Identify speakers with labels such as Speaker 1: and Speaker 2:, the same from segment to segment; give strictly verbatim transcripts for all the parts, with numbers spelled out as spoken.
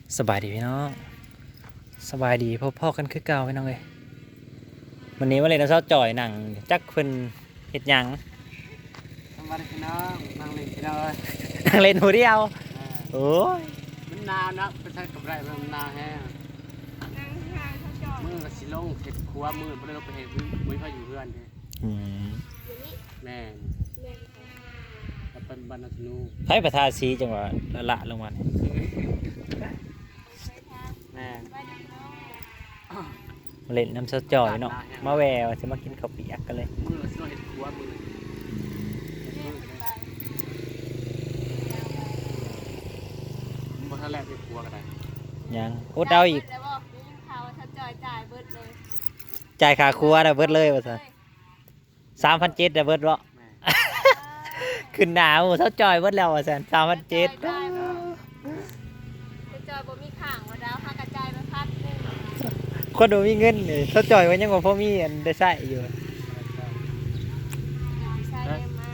Speaker 1: สบายดีพี่น้องสบายดีพ่อๆกันคือเก่าพี่น้องเลยวันนี้มาเลยนะเช้าจ่อยหนังจักเพิ่นเฮ็ดหยัง
Speaker 2: สวัสดีพี่น้องนั่งเล่นพี่น้องเอ้ย
Speaker 1: นั่งเล่นหูเดียว
Speaker 2: เออ
Speaker 1: โอ้ย
Speaker 2: มันหนาวนะไปใช้กับไรมันหนาวแห้ง
Speaker 3: นั่งทางเขาจอด
Speaker 2: มือก็สิลงเห็ดครัวมือบ่ได้ลงไปเห็ดมือพาอยู่เพื่อนเด้
Speaker 1: อืม
Speaker 3: อยู่นี่
Speaker 2: แม่น
Speaker 3: เล่นเขา
Speaker 2: แล้วเป็นบรรณธนู
Speaker 1: ไผประทาสีจังหวะละละลงมานี่
Speaker 3: ไปทาง
Speaker 2: แม่น
Speaker 3: ไปดีน้อง
Speaker 1: มาเล่นน้ำเช้าจ่อยเนาะมาแววสิมากินข้าวเปียกกันเลย
Speaker 2: มือก็สิลงเห็ดครัวมือ
Speaker 3: เล่นไป
Speaker 2: บ่ทันแลกเห็ดครัวก็ได้
Speaker 1: ยังอดเอาอีก
Speaker 3: แต่บอกนี่ข่าวเขาจอยจ่ายเบิดเลย
Speaker 1: จ่ายค่าครัวน่ะเบิดเลยว่าซั่น สามพันเจ็ดน่ะเบิดบ่
Speaker 2: แม่น
Speaker 1: ขึ้นหนาวเช้าจ่อยเบิดแล้วว่าซั่นสามพันเจ็ด
Speaker 3: จ่ายเบิดเขาจอยบ่มีข้างว่าดาวพากระจายมาพัดหนึง
Speaker 1: คนบ่มีเงินนี่เช้าจ่อยว่ายังบ่พอมีอันได้ใช้อยู่
Speaker 3: ใช่เลยมา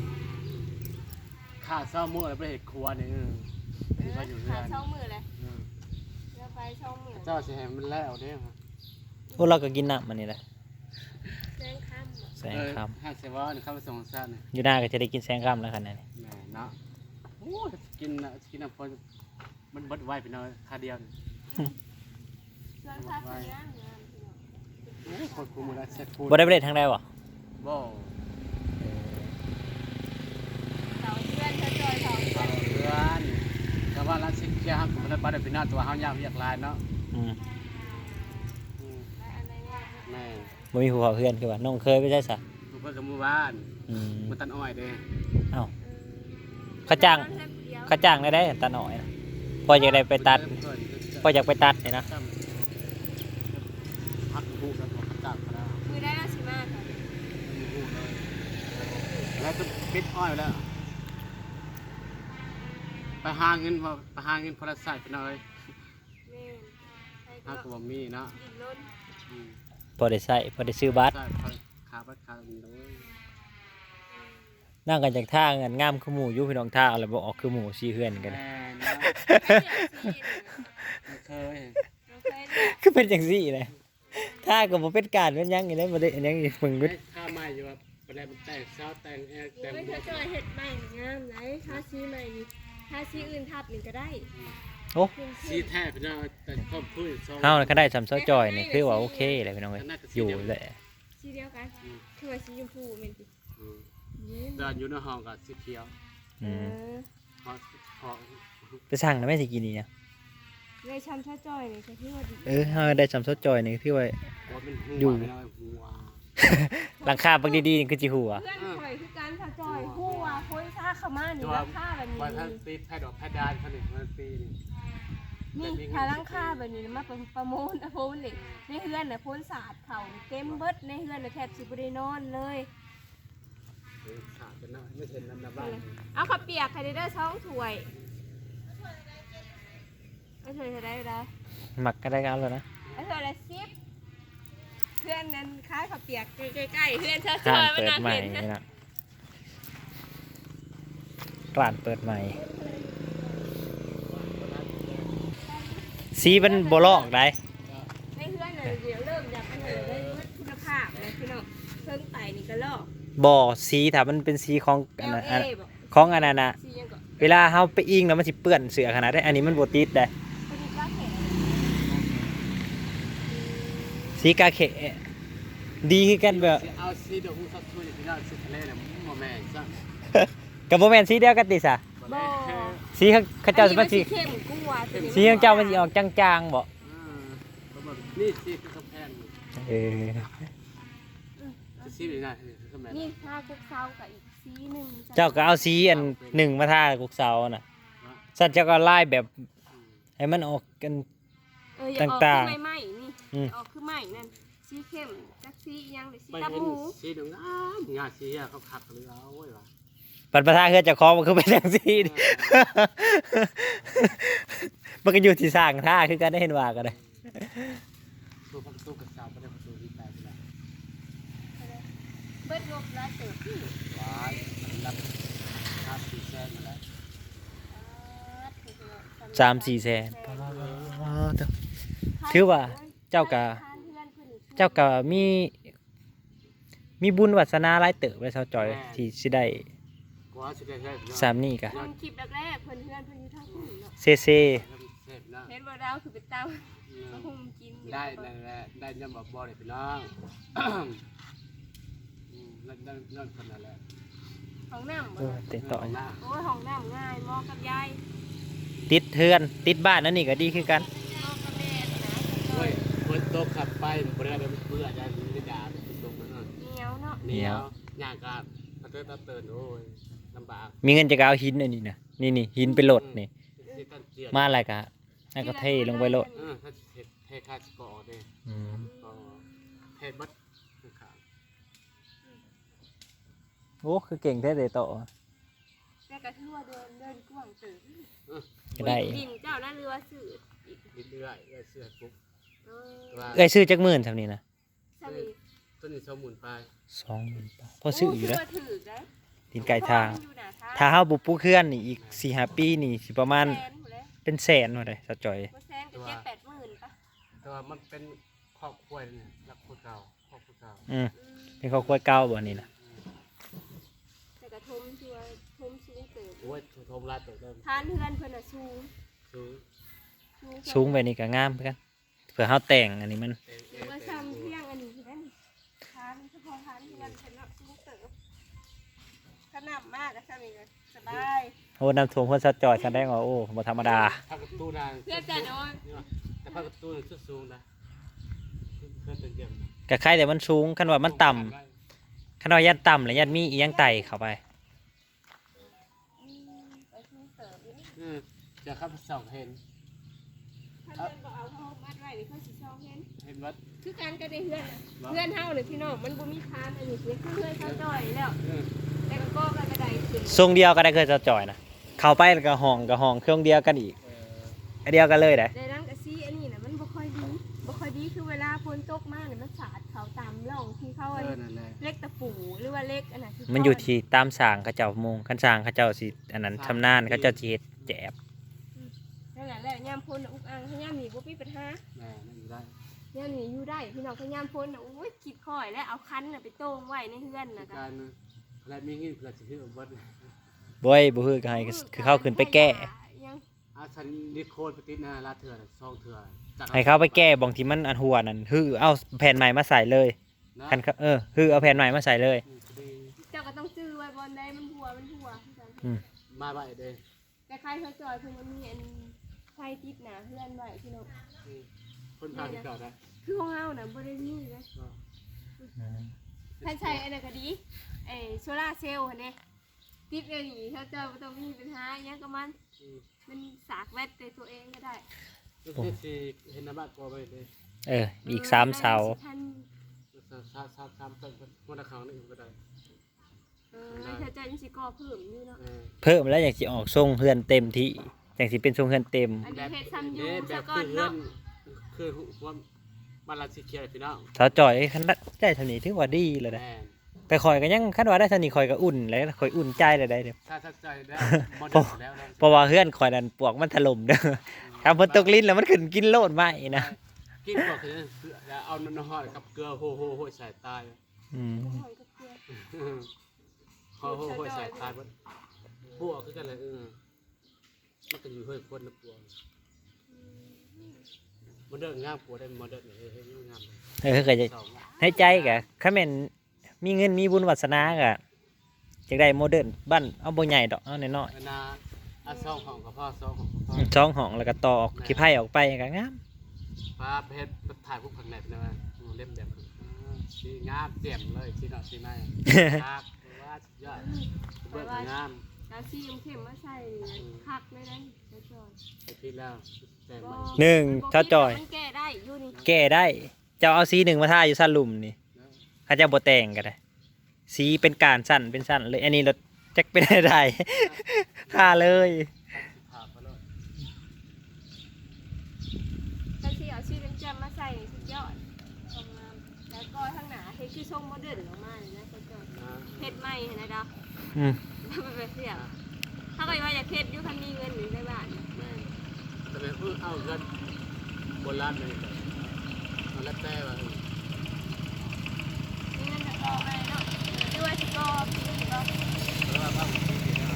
Speaker 2: ข้าเศร้ามื้อแล้วไปเห็ดครัวนี่เออ
Speaker 3: เอ
Speaker 2: มือ
Speaker 3: อ
Speaker 2: พาอยู่เพื่
Speaker 3: ขา
Speaker 2: อน
Speaker 3: ช่องมือเลย
Speaker 2: เออ
Speaker 3: เดี๋ยวไปช่องมือ
Speaker 2: เจ้าสิให้มันแล้วเด้อ
Speaker 1: พวกเราก็กินน้ำมันนี่แหละ
Speaker 3: แจ้งค่ำอะ
Speaker 1: แสง
Speaker 2: เออ
Speaker 1: ค
Speaker 2: ห้าเสว่านี่เข้าไปส่งซ่านนี่
Speaker 1: ำอยู่หน้าก็จะได้กินแสงค่ำแล้วขนาดนี้
Speaker 2: แม่เนาะโอ้ยกินน่ะกินน้ำพอมันเบิดไว้พี่น้อยค่าเดียวนี่
Speaker 3: ส่วนภาพคนงานงานพี่น้อง
Speaker 2: โอ้ยคนคุมมือละเช็ดฟูด
Speaker 1: บ่ได้ไปเล่นทางใดบ่
Speaker 2: บ่
Speaker 3: เสาเพื่อนเขาจอยเสาเพื่อน
Speaker 2: เพื่อนแต่ว่าร้านเช็คเคลียร์ฮักผมได้บัตรเป็นหน้าตัวเฮายามเรียกลายเนาะ
Speaker 1: อืม
Speaker 2: อืม
Speaker 3: ไปอันไหนเนี่ย
Speaker 2: แม่
Speaker 1: บ่มีผู้เฒ่าเพื่อนคือว่าน้องเคยไปใช่ซะ
Speaker 2: ลูกเพื่อนกับหมู่บ้าน
Speaker 1: อืม
Speaker 2: มันตันอ้อยเด้
Speaker 1: เอ้าเขาจ้างเขาจ้างได้ได้ตาหน่อยนะพออยากได้ไปตัดพออยากไปตัดนี่นะ
Speaker 2: พักหูแล้วก็จับก็ได้
Speaker 3: มือได้แล้วสิมากค่ะ
Speaker 2: มีหูเลยแล้วก็ปิดอ้อยแล้วไปหาเงินพอไปหาเงินพอละใส่ไปหน่อย
Speaker 3: แม่นไป
Speaker 2: หา
Speaker 3: ก็
Speaker 2: ก็บ่มีเนาะ
Speaker 3: ดินล้น
Speaker 2: อืม
Speaker 1: พอได้ใช้พอได้ซื้อบัตร
Speaker 2: ใช่พอขาบัตรขาเงินเลย
Speaker 1: นั่งกันจากท่าเงินงามคือหมู่อยู่พี่น้องท่าอะไรบ่ออกคือหมู่ซีเฮือนกัน
Speaker 2: แม่เนาะ ไม่เคย
Speaker 3: เราเคยเนี่ย
Speaker 1: คือเป็นจังซี่เลยท่าก็บ่เป็นการเป็นหยังอีได้บ่ได้อันหยังอีมึง
Speaker 2: ไม่
Speaker 1: เบิด
Speaker 2: ข้าไม่อยู่ว่าประเด็นมันแต่งเช้าแต่งแอร์แต่ง
Speaker 3: ไม่
Speaker 2: บ
Speaker 3: เค
Speaker 2: วย ก
Speaker 3: จอยเห็ดใหม่งามไหนทาซีใหม่นี่ทาซีอื่นทับหนึ่งก็ได้
Speaker 1: โอ้
Speaker 2: สีแทบพี่น้องแต่ครอบครัวสอง
Speaker 1: เฮาน่ะก็ได้สำเซาจอยนี่คือว่าโอเคเลยพี่น้องเอ้ยอยู่แหละ
Speaker 3: สีเดียวกันคือว่าสีชมพูเหม็นสิ
Speaker 2: อืม
Speaker 3: นี่
Speaker 2: เดินอยู่ในห้องกับสีเขียว
Speaker 3: เอ
Speaker 1: อืม
Speaker 3: อ
Speaker 2: ห้องห้อง
Speaker 1: ไปสั่งนะแม่สิกินนี่นะ
Speaker 3: เลยช้ำชาจอยนี่ก็ที่ว่าดี
Speaker 1: เออเฮาได้สำเซาจอยนี่คือว่า
Speaker 2: ว่าเป็นหัว
Speaker 1: อยู่
Speaker 2: พี่น้องหัว
Speaker 1: หลังคาบักดีๆนี่คือสิหัว
Speaker 3: เพื่อนข่อยคือการชาจอยคู่ว่าคนซาเข้ามานี่ราคาแบบนี้
Speaker 2: ว่าถ้าตีแพทย์ดอกแพทย์ดานเขาเนี่ยมันตีนี่
Speaker 3: นี่ถ้าราคาแบบนี้มาเป็นประมูลนะพูนนี่ในเฮือนน่ะพ้นศาสตร์เขาเต็มเบิดในเฮือนน่ะแทบสิบ่ได้นอนเลย
Speaker 2: เออขาดเป็นน้อยไม่เห็นน้ำหน้าบ้าน
Speaker 3: เอาข้าวเปียกไข่เด้อสองถ้วยไอ้ถ้วยเท่าไรเด้อ
Speaker 1: หมักก็ได้ก็เอาแล้วนะ
Speaker 3: ไอ้ถ้วยละสิบเพื่อนนั้นคล้ายข้าวเปียกใกล้ๆเพื่อนเธอซ
Speaker 1: ร้า
Speaker 3: อน ยมัน
Speaker 1: เปิด
Speaker 3: น่า
Speaker 1: ใหม่
Speaker 3: เห็น
Speaker 1: นี่นะร้านเปิดใหม่สีมันบ่ลอกได้
Speaker 3: ในเพื่อนน่ะเดี๋ยวเริ่มอยากอันนั้นเลยคุณภาพเลยพี่น้องเครื่องไต่นี่ก็ลอก
Speaker 1: บ่สีถ้ามันเป็นสีของอันนั้นอัน
Speaker 3: เอลเอบอก
Speaker 1: ของอันนั้นน่ะ
Speaker 3: สียังก็
Speaker 1: เวลาเฮาไปอิงแล้วมันสิเปื้อนเสื้อขนาดได้อันนี้มันบ่ติดได้
Speaker 3: พอดีก็เห็น
Speaker 1: สีกาเขะดีคือกันแบบ
Speaker 2: เอาซีดอกหูสัตว์ช่วยพี่น้องสุดทะเลเนี่ยโมแม่ซะ
Speaker 1: กับบ่แม่นสีเดียวกันติซะ
Speaker 3: บ่
Speaker 1: สีเขาเขาเจ้าสิมันสิ
Speaker 3: เข้มกว่าตัวนี้
Speaker 1: สีของเจ้ามันสิออกจางๆบ่
Speaker 2: นี่ซีคือกำแพง
Speaker 1: เออ
Speaker 2: ซีนี่นะคือแม่
Speaker 3: นี่ผ้าคุกเซากับอีกสีหนึ่ง
Speaker 1: เจ้าก็เอาสีอันหนึ่งมาทากุกเสาน่ะสัตว์เจ้าก็ไล่แบบให้มันออกกัน
Speaker 3: เอออย่าออก
Speaker 1: ต่าง
Speaker 3: คือ
Speaker 1: ๆ
Speaker 3: ใหม่ๆนี่
Speaker 1: อืม
Speaker 3: ออกคือใหม่นั่นสีเข้มจักสียังหรือสี
Speaker 2: ไป
Speaker 3: ตับ
Speaker 2: เห็น
Speaker 3: หมู
Speaker 2: ซีดงามงานซีเขาขักหรือเอาไว้ว่ะ
Speaker 1: ปัดประทาเฮือเจ้าของมันคือเป็นจังซี่ดิ มันก็อยู่ที่สร้างท่าคือกันได้เห็นว่ากันเลย
Speaker 2: ตัวพักตู้กับสาวไม่ได้พักตู้ที่ตายไปแล้ว
Speaker 3: เบิดงบแล้วเติบที่
Speaker 2: ว้ายรับค่าสี่แสนมาแล้ว
Speaker 1: สามสี่แสน
Speaker 2: เออ
Speaker 1: เถอะ ถือว่าเจ้าก็ เจ้าก็มีมีบุญวาสนาหลายเติบเลยเซาจอยที่สิได้
Speaker 2: กว่าสิได้ใช้พี่น้อง
Speaker 1: สามนี่กะ
Speaker 3: เพิ่นคลิปแรกๆเพิ่นเพื่อนเพิ่นอยู่ทางพุ่นเนาะ
Speaker 1: เซเซ
Speaker 2: เสพนะ
Speaker 3: เห็นบ่ดาวคือเป็นเต้ามาหุมกินอยู่
Speaker 2: ได้นั่นแหละได้ยำบ่บ่ได้พี่น้องอืมนั่นนั่นนั่นคนนั่นแหละ
Speaker 3: ห้องน้ำ
Speaker 1: เอ
Speaker 3: บ่
Speaker 1: อเต็มต่อ
Speaker 2: หน้า
Speaker 3: โอ้ยห้องน้ำง่ายเหมอกับยาย
Speaker 1: ติดเทือนติดบ้านนั่นนี่ก็ดีคือกัน
Speaker 3: เหมอกับแม่นะ
Speaker 2: เฮ้ยคนโตกขับไปบ่ได้เพื่ออาจารย์ไม่ด่าเป็นตรงนั้น
Speaker 3: เหนียวเนาะ
Speaker 2: เหนียวย่างการตะเติร์ตะเติร์โอ้ยลำบาก
Speaker 1: มีเงินจะเอาหินอันนี้นะนี่นี่หินไปโหลดนี่
Speaker 2: สิตันเจียน
Speaker 1: มาอะไรกะนั่นก็เทลงไปโหลด
Speaker 2: เออถ้าเฮ็ดเทค่าสกอร์เด้
Speaker 1: อืม
Speaker 2: ก็เทบัดขาด
Speaker 1: โอ้คือเก่งแท้เลยต่อ
Speaker 3: แต่ก็ถือว่าเดินเดินกว้างเติบ
Speaker 1: ก็ได้
Speaker 3: ดินเจ้านั่นเรือว่าสื่ออีก
Speaker 2: นิดเรื่อยเรื่อยเสื้อปุ๊บ
Speaker 3: เออ
Speaker 2: ว่า
Speaker 1: เอ้ยซื้อจักหมื่นทำนี่นะ
Speaker 3: สนิท
Speaker 2: ต้นนี้สองหมื่นปลาย
Speaker 1: สองหมื่นบาทพอซื้ออยู่แล้ว
Speaker 3: โถือได้
Speaker 1: ดินไก่ทาง
Speaker 3: อยู่หน้ทาง
Speaker 1: ถ้าเฮาบุปลูกเคลื่อนนี่อีกสี่ห้าปีนี่สิประมาณ
Speaker 3: แสนหมดเลย
Speaker 1: เป็นแสนหมดเลยสะจอย
Speaker 3: บ่แสนก็เจ็ดแปดหมื่นปะ
Speaker 2: แต่ว่ามันเป็นครอบครัวเนี่ยรักคนเก่าครอบครัวเก่า
Speaker 1: อืม
Speaker 3: อืม
Speaker 1: เป็นครอบครัวเก่าบ่นี่นะ
Speaker 3: แต่กระทมที่ว่าทมสูงเติบ
Speaker 2: โอ้ยโทมลาดตัวเดิม
Speaker 3: ทานเพื่อนเพิ่นน่ะสูง
Speaker 2: สูง
Speaker 1: สูงไปนี่ก็งามเหมือนกันเผื่อเฮาแต่งอันนี้มัน
Speaker 2: เต็ม
Speaker 3: หรือว่าซ้ำเที่ยงอันนี้คือนั่นทานเฉพาะทานเพื่อนเพิ่นน่ะสูงเติบขนาดมากก็ซ้ำนี่ก็สบาย
Speaker 1: โอ้น้ำท่วมเพิ่นสะจอยแสดงว่าโอ้บ่ธรรมดา
Speaker 2: พักประตูนาน
Speaker 3: เพื่อนจะโดน
Speaker 2: แต่พักประตูนี่สุดสูงนะเพื่อนเป็นเยี่ยม
Speaker 1: ก็ใครแต่มันสูงคันว่ามันต่ำคันว่ายันต่ำแล้วยันมีอีหยังไต่เข้าไป
Speaker 3: อืมไปสูงเติบอยู่นี่
Speaker 2: อืมจะเข้าไปส่องเห็น
Speaker 3: ถ้าเพื่อนบ่เอาเขามัดไว้นี่เขาสิชอบเห็น
Speaker 2: เห็นวัด
Speaker 3: คือการก็ได้เพื่อนน่ะเพื่อนเฮานี่พี่น้องมันบ่มีทานอันนี้คือเพื่อนเขาจ่อยแล้ว
Speaker 2: เออ
Speaker 3: แต่ก็ก็กระไดขึ้น
Speaker 1: ทรงเดียวก็ได้เคยสะจอยนะเข้าไปแล้วก็ห้องก็ห้องเครื่องเดียวกันอีก
Speaker 2: เออ
Speaker 1: อันเดียวกันเลยได้
Speaker 3: ในนั้นก็ซีอันนี้น่ะมันบ่ค่อยดีบ่ค่อยดีคือเวลาฝนตกมาเนี่ยมันสาดเขาตามร่องที่เขา
Speaker 2: เอ
Speaker 3: อัน
Speaker 2: อนั่นแหละ
Speaker 3: เล็กตะปูหรือว่าเล็กอันนั้นที่
Speaker 1: มันอยู่ที่ตามสร้างเขาเจ้ามุงคันสร้างเขาเจ้าสิอันนั้นชำนาญเขาเจ้าสิเฮ็ดแจบ
Speaker 3: นั่นแหละแหละยามพ้นน่ะอุกอังถ้ายามหนีบ่มีปัญหา
Speaker 2: แม่นั่นอยู่ได้
Speaker 3: ยามหนีอยู่ได้พี่น้องถ้ายามพ้นน่ะโอ้ยคิดค่อยแล้วเอาคันน่ะไปโต้งไว้ในเฮือนน่ะก็
Speaker 2: การอะไรมีเงินเพื่อจะซื้อวัด
Speaker 1: บ่ยบ่ฮือก็ให้คือเข้าขึ้นไปแก้
Speaker 3: ยัง
Speaker 2: อาชันนิโคลปฏินาลาเถื่อนซองเถื่อน
Speaker 1: ให้เขาไปแก้บางที่มันอันหัวนั่นฮือเอาแผ่นใหม่มาใส่เลย
Speaker 2: นะ
Speaker 1: คันเขาเออฮือเอาแผ่นใหม่มาใส่เลย
Speaker 3: เจ้าก็ต้องซื้อไว้บนใดมันหัวมันหัว
Speaker 1: อืม
Speaker 2: มาบ่ายเด้
Speaker 3: แต่ใครเขาจอยเพิ่นมันมีอันไฟติดหน้าเฮือนไว้พี่น้อง
Speaker 2: คนพาที่เก่าได้
Speaker 3: คือของเฮาน่ะบ่ได้มีเลย ท่านใช้อันนั้นก็ดีไอ้โซล่าร์เซลล์หั่นเด้ติดเลยนี่ถ้าเจ้าบ่ต้องมีปัญหาอิหยังกับมัน มันสากแวดในตัวเองก็ได้
Speaker 2: ก็คือสิเห็นน้ำบ้านกอไปเลย
Speaker 1: เอออีกสามเสา
Speaker 3: ท่าน
Speaker 2: สามสามสามต้นมันตะขางนี่ก็ได้
Speaker 3: เออถ้าเจ้ายังสิก่อเพิ่มอยู่เนาะ
Speaker 2: เออ
Speaker 1: เพิ่มแล้วอยากสิออกทรงเฮือนเต็มที่อยากสิเป็นทรงเฮือนเต็ม
Speaker 3: อันนี้เฮ็ดซ้ำอยู่
Speaker 2: แบ
Speaker 3: ซะ
Speaker 2: บ
Speaker 3: ก่อ
Speaker 2: คื
Speaker 3: น
Speaker 2: อเงื่อ
Speaker 3: เนาะ
Speaker 2: นคือว่าบ้านเราสีเขียวพี่น้อง
Speaker 1: สาวจอยคันได้เท่านี้ถือว่าดีเลยนะ
Speaker 2: แม่
Speaker 1: แต่ข่อยก็ยังคันว่าได้เท่านี้ข่อยก็อุ่นแล้วข่อยอุ่นใจเลยได้เด้อ
Speaker 2: ถ้าถ้าใจได้บอลแล้ว
Speaker 1: เพราะว่าเฮือนข่อยนั่นปลวกมันถล่มเด้อถ้าฝนตกลิ้นแล้วมันขึ้นกินโลดไหมนะ
Speaker 2: กินก็คือเอาน้ำหอยกับเกลือโหโหโหใส่ตาย
Speaker 1: อืม
Speaker 3: หอยกับเกลือ
Speaker 2: โหโหโหใส่ตายมันพวกคือกันเลยเออมันก็อยู่เฮ้ยคนนะปวงมันเดินงามปวดได้มันเดินเฮ้ยเฮ้ยงาม
Speaker 1: เออก็จะให้ใจกะคันแม่นมีเงินมีบุญวาสนากะจักได้โมเดิร์นบ้านเอาบ่ใหญ่ดอกเอาน้อย
Speaker 2: นาอาซองของกับพ่อซองของพ่อ
Speaker 1: ๆอืมช่องห้องแล้วก็ต่อออกขี้ไผ่ออกไปก็งาม
Speaker 2: ป้าเพชรถ่ายพวกผักแหนบนะมันเล่มแบบสีงามเจียมเลยสีหน่อสีไม้ครับว่าสุดยอดเบิกงาม
Speaker 3: กาซีมเข้มมาใส่คักเลยนะซะก่อน
Speaker 2: ไปพิดแล้วแต่ใหม่
Speaker 1: หนึ่งถ้าจอย
Speaker 3: มันแก้ได้อยู่นี่
Speaker 1: แก้ได้เจ้าเอาสีหนึ่งมาทาอยู่สั้นลุ่มนี่ถ้าเจ้าบ่แต่งก็ได้สีเป็นการสั้นเป็นสั้นเลยอันนี้รถจักเป็นได้ ทาเลย
Speaker 2: ผ่าไปเลย
Speaker 3: กาซีเอาชีเป็นแจมมาใส่สุดยอดทำงามแล้วก็ข้างหน้าเฮ็ดคือทรงโมเดิร์นออกมาเลยนะซะก่อนเฮ็ดใหม่นะดาว
Speaker 1: อืม
Speaker 3: มันเป็นเสียถ้าก็ว่าอยากเฮ็ดอยู่คันมีเงินอยู่ในบ้าน
Speaker 2: แม่แต่แบบเอาเงินโบราณเลยมันแล้วแต่ว่า
Speaker 3: นี่นั่นจะรออะไรเนาะด้วยสิรอพี่สิรอ
Speaker 2: แล้วว่าบ้างที่นี่นะ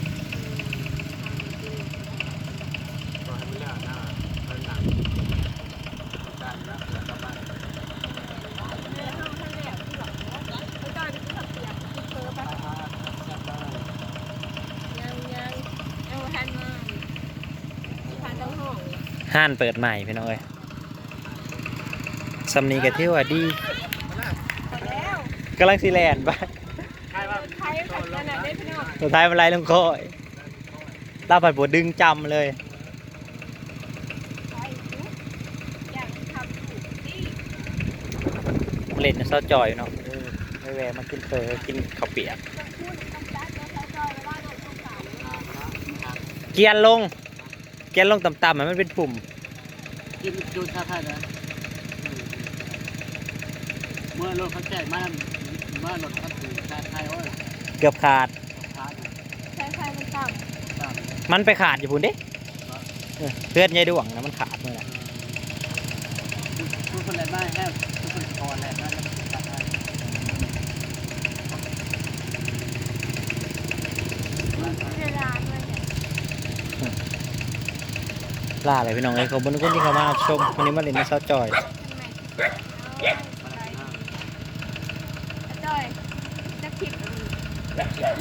Speaker 2: ก็ให้มันแล้วนะมันหนังการรับเกิดกับบ้าน
Speaker 3: เนื้อห้องท่านแล้วที่หลังเนาะแล้วก็จะขับเปียกที่เพิ่มไป
Speaker 2: จับได้
Speaker 3: ยังยังยังทันมาผ่านทั้งห้อง
Speaker 1: ห้านเปิดใหม่พี่น้องเอ้ยสำนีกะที่ว่าดี
Speaker 3: พอแล้ว
Speaker 1: กำลังสิแลนไป
Speaker 2: ใช่ว่า
Speaker 3: ใครขัดขนาดได้พี่น้อง
Speaker 1: สุดท้ายมันไล่ลงคอยลาผัดบดดึงจำเลย
Speaker 3: ใครรู้อยากทำถูกที่
Speaker 1: เล่นเศร้าจอยเนาะเออไม่แวะมากินเฟอกินข้าวเปียก
Speaker 3: ต้องพูดต้องจัดแล้วเขาจอยว่าโดนต้องสาว
Speaker 1: เกียร์ลง เกียร์ลงต่ำๆมันเป็นปุ่ม
Speaker 2: กินดูชาไทยนะเมื่อรถเขาแจกมาเมื่อรถเขาถือชาไทยโอ้ย
Speaker 1: เกือบขาด
Speaker 2: ชา
Speaker 3: ใช่ใช่มันต่
Speaker 2: ตาม
Speaker 1: มันไปขาดอยู่พุ่นเด้เออเพื่อนยายดวงนะมันขาดเมื่อไหร่
Speaker 2: ทุกคนแหลมได้แค่ทุกคนคอแหลมได้ชาไทย
Speaker 3: ำเวลาด้วยเนี่ย
Speaker 1: ล่าอะไรพี่น้องเอ้ยขอบคุณทุกคนที่เข้ามาชมวันนี้มาเล่นในเศร้าจอย
Speaker 3: ทำไมจอยจะคลิป